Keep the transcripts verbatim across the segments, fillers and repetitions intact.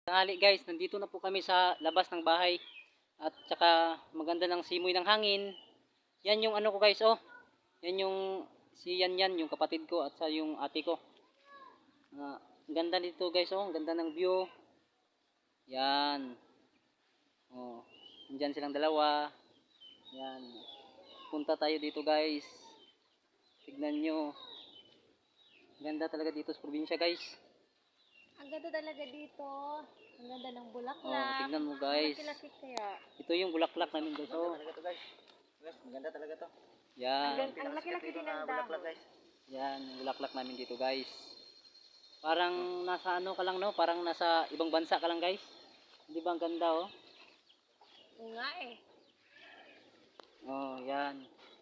Tanghali guys, nandito na po kami sa labas ng bahay at saka maganda ng simoy ng hangin. Yan yung ano ko guys, oh. Yan yung si Yan Yan, yung kapatid ko at sa yung ate ko. Uh, ganda dito guys, oh. Ganda ng view. Yan. Oh, nandiyan silang dalawa. Yan. Punta tayo dito guys. Tignan nyo. Ganda talaga dito sa probinsya guys. Ang ganda talaga dito. Ang ganda ng bulaklak. Oh, tignan mo guys. Malaki-laki kaya. Ito yung bulaklak namin guys. Oh. Talaga to guys. Guys, maganda talaga to. Yan. Ang, ang laki-laki din ng dahon. Guys. Yan, yung bulaklak namin dito guys. Parang nasa ano ka lang no? Parang nasa ibang bansa ka lang guys. Di ba ang ganda oh? Oo nga eh. Oh, yan.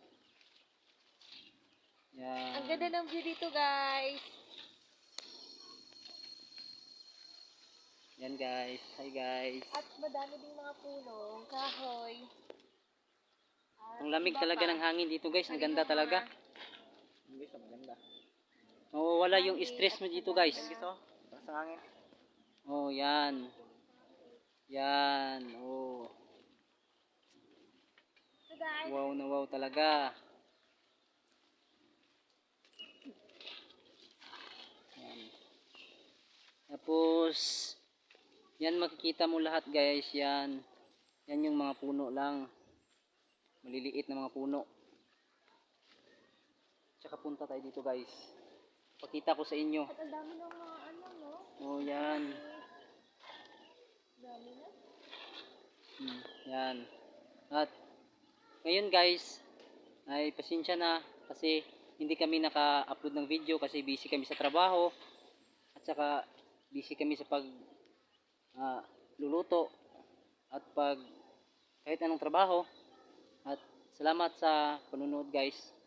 Yan. Ang ganda ng view dito guys. Yan guys. Hi guys. At madami ding mga puno, kahoy. At Ang lamig iba talaga pa. ng hangin dito guys. Ang ganda talaga. Guys, maganda. Mawawala yung stress mo dito guys. Guys, oh. Basta sa hangin. Oh, yan. Yan. Oh. So guys, Wow na wow talaga. Yan. Tapos yan makikita mo lahat guys, yan. Yan yung mga puno lang. Maliliit na mga puno. Tsaka punta tayo dito guys. Pakita ko sa inyo. at ang dami ng mga ano no? Oh, yan. Dami na. Hmm, yan. At ngayon guys, ay pasensya na kasi hindi kami naka-upload ng video kasi busy kami sa trabaho at saka busy kami sa pag uh, luluto at pag kahit anong trabaho. At salamat sa panunood guys.